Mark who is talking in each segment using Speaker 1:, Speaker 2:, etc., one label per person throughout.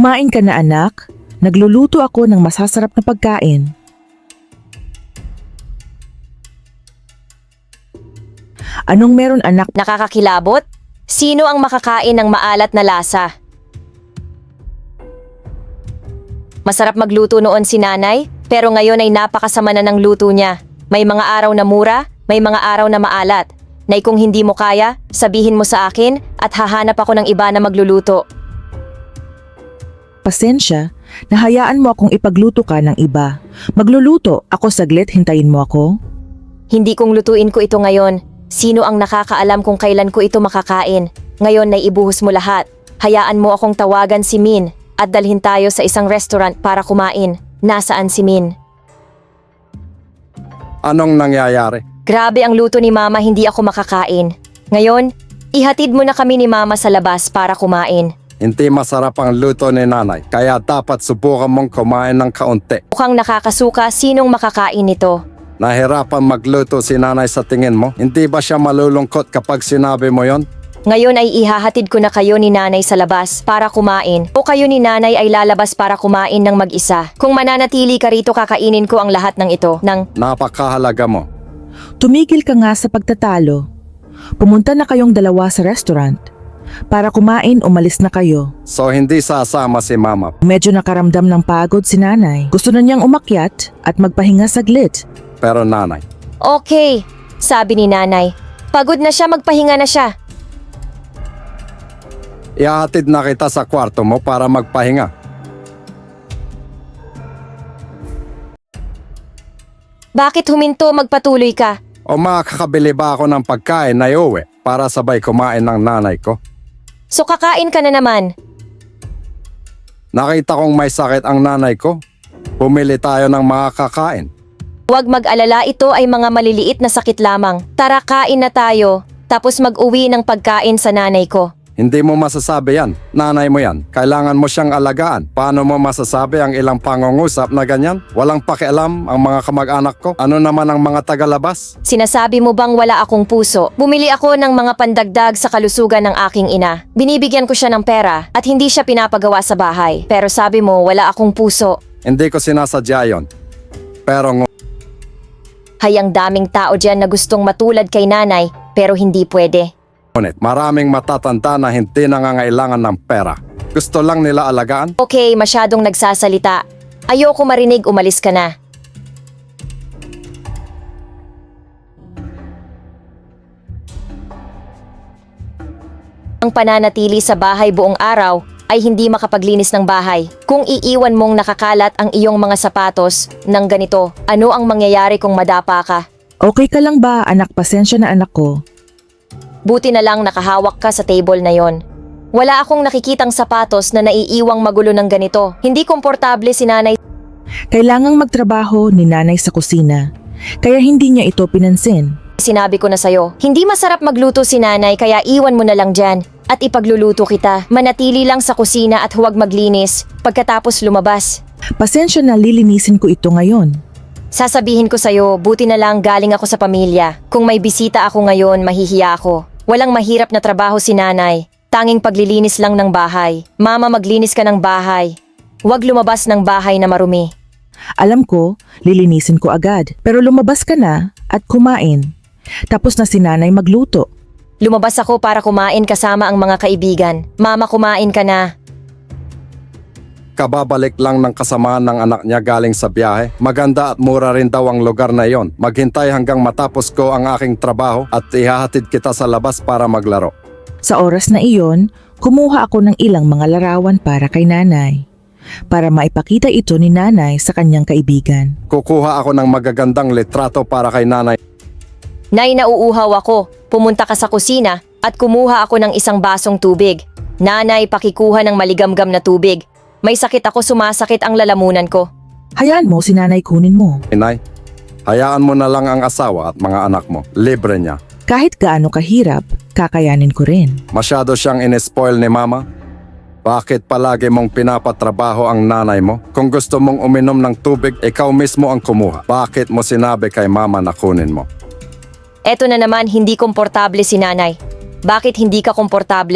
Speaker 1: Kumain ka na anak, nagluluto ako ng masasarap na pagkain. Anong meron anak?
Speaker 2: Nakakakilabot? Sino ang makakain ng maalat na lasa? Masarap magluto noon si nanay, pero ngayon ay napakasama na ng luto niya. May mga araw na mura, may mga araw na maalat. Nay, kung hindi mo kaya, sabihin mo sa akin at hahanap ako ng iba na magluluto.
Speaker 1: Pasensya, nahayaan mo akong ipagluto ka ng iba. Magluluto, ako saglit, hintayin mo ako.
Speaker 2: Hindi kong lutuin ko ito ngayon. Sino ang nakakaalam kung kailan ko ito makakain? Ngayon ay ibuhos mo lahat. Hayaan mo akong tawagan si Min at dalhin tayo sa isang restaurant para kumain. Nasaan si Min?
Speaker 3: Anong nangyayari?
Speaker 2: Grabe ang luto ni Mama, hindi ako makakain. Ngayon, ihatid mo na kami ni Mama sa labas para kumain.
Speaker 3: Hindi masarap ang luto ni nanay, kaya dapat subukan mong kumain ng kaunti.
Speaker 2: Mukhang nakakasuka, sinong makakain nito?
Speaker 3: Nahirapan magluto si nanay sa tingin mo? Hindi ba siya malulungkot kapag sinabi mo yon?
Speaker 2: Ngayon ay ihahatid ko na kayo ni Nanay sa labas para kumain o kayo ni Nanay ay lalabas para kumain ng mag-isa. Kung mananatili ka rito, kakainin ko ang lahat ng ito.
Speaker 3: Napakahalaga mo.
Speaker 1: Tumigil ka nga sa pagtatalo. Pumunta na kayong dalawa sa restaurant. Para kumain, umalis na kayo.
Speaker 3: So hindi sasama si mama.
Speaker 1: Medyo nakaramdam ng pagod si nanay. Gusto na niyang umakyat at magpahinga saglit.
Speaker 3: Pero nanay,
Speaker 2: Okay, sabi ni Nanay. Pagod na siya, magpahinga na siya.
Speaker 3: ihahatid na kita sa kwarto mo para magpahinga.
Speaker 2: Bakit huminto, magpatuloy ka?
Speaker 3: O makakabili ba ako ng pagkain na iuwi para sabay kumain ng nanay ko?
Speaker 2: So kakain ka na naman.
Speaker 3: Nakita kong may sakit ang nanay ko. Bumili tayo ng mga kakain.
Speaker 2: Huwag mag-alala, ito ay mga maliliit na sakit lamang. Tara, kain na tayo, tapos mag-uwi ng pagkain sa nanay ko.
Speaker 3: Hindi mo masasabi yan. Nanay mo yan. Kailangan mo siyang alagaan. Paano mo masasabi ang ilang pangungusap na ganyan? Walang pakialam ang mga kamag-anak ko. Ano naman ang mga tagalabas?
Speaker 2: Sinasabi mo bang wala akong puso? Bumili ako ng mga pandagdag sa kalusugan ng aking ina. Binibigyan ko siya ng pera at hindi siya pinapagawa sa bahay. Pero sabi mo wala akong puso.
Speaker 3: Hindi ko sinasadya yon. Pero
Speaker 2: Hayang daming tao dyan na gustong matulad kay nanay pero hindi pwede.
Speaker 3: ngunit maraming matatanda na hindi nangangailangan ng pera. Gusto lang nila alagaan.
Speaker 2: Okay, masyadong nagsasalita. Ayoko marinig, umalis ka na. Ang pananatili sa bahay buong araw ay hindi makapaglinis ng bahay. Kung iiwan mong nakakalat ang iyong mga sapatos ng ganito, ano ang mangyayari kung madapa ka?
Speaker 1: Okay ka lang ba anak? Pasensya na anak ko.
Speaker 2: Buti na lang nakahawak ka sa table na yon. Wala akong nakikitang sapatos na naiiwang magulo ng ganito. Hindi komportable si nanay.
Speaker 1: Kailangang magtrabaho ni nanay sa kusina. Kaya hindi niya ito pinansin.
Speaker 2: Sinabi ko na sa'yo, hindi masarap magluto si nanay kaya iwan mo na lang dyan at ipagluluto kita. Manatili lang sa kusina at huwag maglinis pagkatapos lumabas.
Speaker 1: Pasensya na, lilinisin ko ito ngayon.
Speaker 2: Sasabihin ko sa'yo, buti na lang galing ako sa pamilya. Kung may bisita ako ngayon, mahihiya ako. Walang mahirap na trabaho si nanay. Tanging paglilinis lang ng bahay. Mama, maglinis ka ng bahay. Huwag lumabas ng bahay na marumi.
Speaker 1: Alam ko, lilinisin ko agad. Pero lumabas ka na at kumain. Tapos na si nanay magluto.
Speaker 2: Lumabas ako para kumain kasama ang mga kaibigan. Mama, kumain ka na.
Speaker 3: Kababalik lang ng kasamaan ng anak niya galing sa biyahe. Maganda at mura rin daw ang lugar na iyon. Maghintay hanggang matapos ko ang aking trabaho at ihahatid kita sa labas para maglaro.
Speaker 1: Sa oras na iyon, kumuha ako ng ilang mga larawan para kay nanay. Para maipakita ito ni nanay sa kanyang kaibigan.
Speaker 3: Kukuha ako ng magagandang litrato para kay nanay.
Speaker 2: Nay, nauuhaw ako. Pumunta ka sa kusina at kumuha ako ng isang basong tubig. Nanay, pakikuha ng maligamgam na tubig. May sakit ako, sumasakit ang lalamunan ko.
Speaker 1: Hayaan mo si nanay kunin mo.
Speaker 3: Inay, hayaan mo na lang ang asawa at mga anak mo. Libre niya.
Speaker 1: Kahit gaano kahirap, kakayanin ko rin.
Speaker 3: Masyado siyang in-spoil ni mama. Bakit palagi mong pinapatrabaho ang nanay mo? Kung gusto mong uminom ng tubig, ikaw mismo ang kumuha. Bakit mo sinabi kay mama na kunin mo?
Speaker 2: Eto na naman, hindi komportable si nanay. Bakit hindi ka komportable?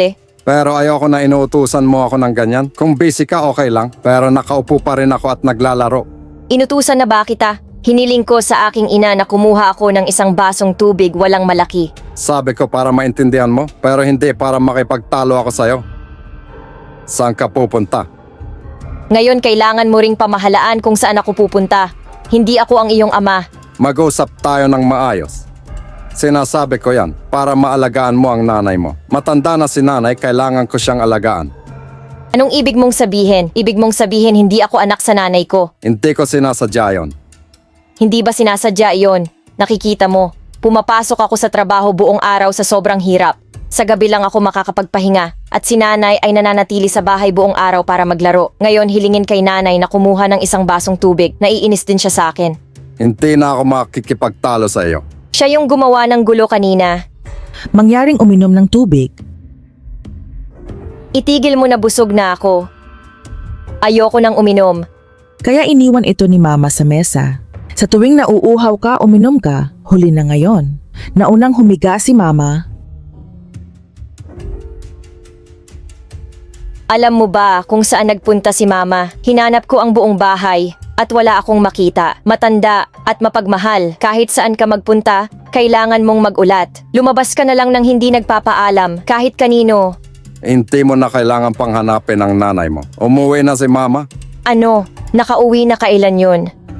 Speaker 3: Pero ayoko na inuutusan mo ako ng ganyan. Kung busy ka, okay lang. Pero nakaupo pa rin ako at naglalaro.
Speaker 2: Inutusan na ba kita? Hiniling ko sa aking ina na kumuha ako ng isang basong tubig walang malaki.
Speaker 3: Sabi ko para maintindihan mo, pero hindi para makipagtalo ako sa'yo. Saan ka pupunta?
Speaker 2: Ngayon kailangan mo ring pamahalaan kung saan ako pupunta. Hindi ako ang iyong ama.
Speaker 3: Mag-usap tayo ng maayos. Sinasabi ko yan para maalagaan mo ang nanay mo. Matanda na si nanay, kailangan ko siyang alagaan.
Speaker 2: Anong ibig mong sabihin? Ibig mong sabihin hindi ako anak sa nanay ko.
Speaker 3: Hindi ko sinasadya yon.
Speaker 2: Hindi ba sinasadya iyon? Nakikita mo, pumapasok ako sa trabaho buong araw sa sobrang hirap. Sa gabi lang ako makakapagpahinga at si nanay ay nananatili sa bahay buong araw para maglaro. Ngayon hilingin kay nanay na kumuha ng isang basong tubig. Naiinis din siya sa akin.
Speaker 3: Hindi na ako makikipagtalo sa iyo.
Speaker 2: Siya yung gumawa ng gulo kanina.
Speaker 1: Mangyaring uminom ng tubig.
Speaker 2: Itigil mo na, busog na ako. Ayoko nang uminom.
Speaker 1: Kaya iniwan ito ni Mama sa mesa. Sa tuwing nauuhaw ka, uminom ka, huli na ngayon. Naunang humiga si Mama.
Speaker 2: Alam mo ba kung saan nagpunta si Mama? Hinanap ko ang buong bahay at wala akong makita. Matanda at mapagmahal. Kahit saan ka magpunta, kailangan mong magulat. Lumabas ka na lang ng hindi nagpapaalam kahit kanino.
Speaker 3: Hindi mo na kailangan pang hanapin ang nanay mo. Umuwi na si mama.
Speaker 2: Ano? Nakauwi na kailan yun?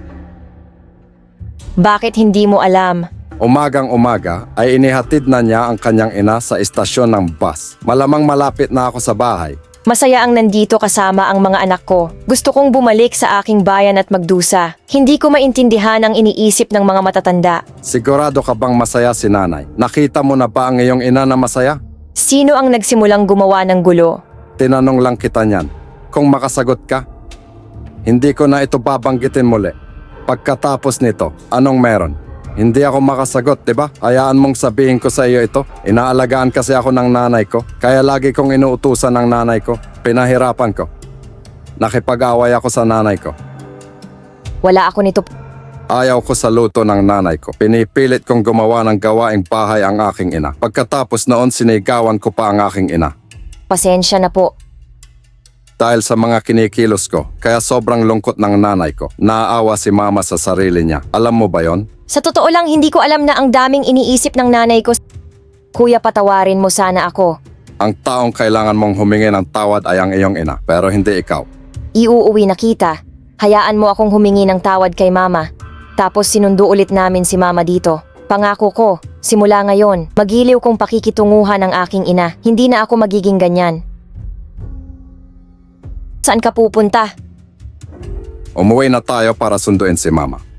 Speaker 2: Bakit hindi mo alam?
Speaker 3: Umagang umaga ay inihatid na niya ang kanyang ina sa istasyon ng bus. Malamang malapit na ako sa bahay.
Speaker 2: Masaya ang nandito kasama ang mga anak ko. Gusto kong bumalik sa aking bayan at magdusa. Hindi ko maintindihan ang iniisip ng mga matatanda.
Speaker 3: Sigurado ka bang masaya si nanay? Nakita mo na ba ang iyong ina na masaya?
Speaker 2: Sino ang nagsimulang gumawa ng gulo?
Speaker 3: Tinanong lang kita niyan. Kung makasagot ka, hindi ko na ito babanggitin muli. Pagkatapos nito, anong meron? Hindi ako makasagot, di ba? Hayaan mong sabihin ko sa iyo ito. Inaalagaan kasi ako ng nanay ko, kaya lagi kong inuutusan ng nanay ko. Pinahirapan ko. Nakipag-away ako sa nanay ko.
Speaker 2: Wala ako nito.
Speaker 3: Ayaw ko sa luto ng nanay ko. Pinipilit kong gumawa ng gawaing bahay ang aking ina. Pagkatapos noon, sinigawan ko pa ang aking ina.
Speaker 2: Pasensya na po.
Speaker 3: Dahil sa mga kinikilos ko, kaya sobrang lungkot ng nanay ko. Naaawa si mama sa sarili niya. Alam mo ba yon?
Speaker 2: Sa totoo lang, hindi ko alam na ang daming iniisip ng nanay ko. Kuya, patawarin mo sana ako.
Speaker 3: Ang taong kailangan mong humingi ng tawad ay ang iyong ina, pero hindi ikaw.
Speaker 2: Iuuwi na kita. Hayaan mo akong humingi ng tawad kay mama. Tapos sinundo ulit namin si mama dito. Pangako ko, simula ngayon, magiliw kong pakikitunguhan ng aking ina. Hindi na ako magiging ganyan. Saan ka pupunta?
Speaker 3: Umuwi na tayo para sunduin si mama.